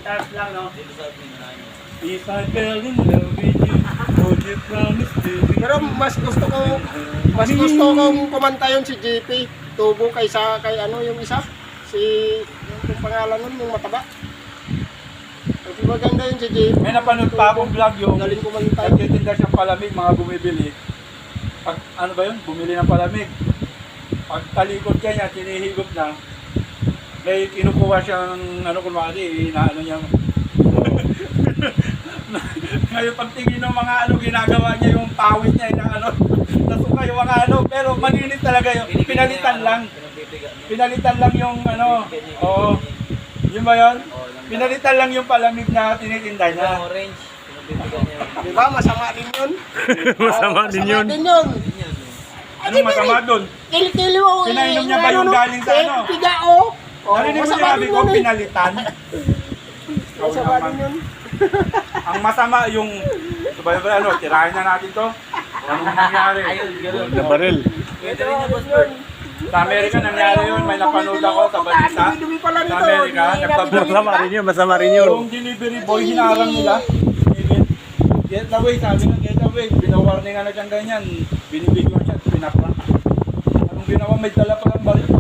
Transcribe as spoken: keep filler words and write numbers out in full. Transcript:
stars lang, no? Dito sa admin na ano. If I fell in love with you, would you promise to be? Pero mas gusto ko, mas gusto kong kumanta yun si J P. Tubo kaysa kay ano yung isa. Si, yung pangalan nun, yung mataba. Mas maganda yun si J P. May napanood pa akong vlog yung Galing kumanta. nagtitinda siyang palamig, mga bumibili. Pag, ano ba yun? Bumili ng palamig. Pag talikod ka niya, tinihigop na, may kinukuha siyang, ano kung makati, inaano niya. Ngayon pagtingin ng mga ano, ginagawa niya yung pawis niya, yung ano, nasuka yung mga ano, pero malinis talaga yun. Pinalitan lang. Pinalitan lang yung ano, oo. Yun ba yun? Pinalitan lang yung palamig na tinitinda niya. Yung orange. Pinabibigyan niya yung Di ba? Masama din yun. Masama din yun. Masama din yun. ganyan. Anong masama doon? Kili-kili mo. Pinainom niya ba yung galing sa ano? Piga o. Narinig mo sinabi ko, pinalitan. Ikaw Masama naman. din yun. Ang masama yung, ito ba ba ano, tirahin na natin to. Anong nangyari? Ayun, gano'n. Na baril. Pwede rin yung boss bird. Sa Amerika nangyari yun, may napanood ako sa balita. Dumi-dumi pala Sa nito. Amerika, nagpabili. Masama rin yun, masama rin yun. Yung delivery boy, hinarang nila. Get away, sabi nga, get away. Binawarningan na siyang ganyan. Binibigyan siya, pinaprank. Anong ginawa, may dala pa ng baril.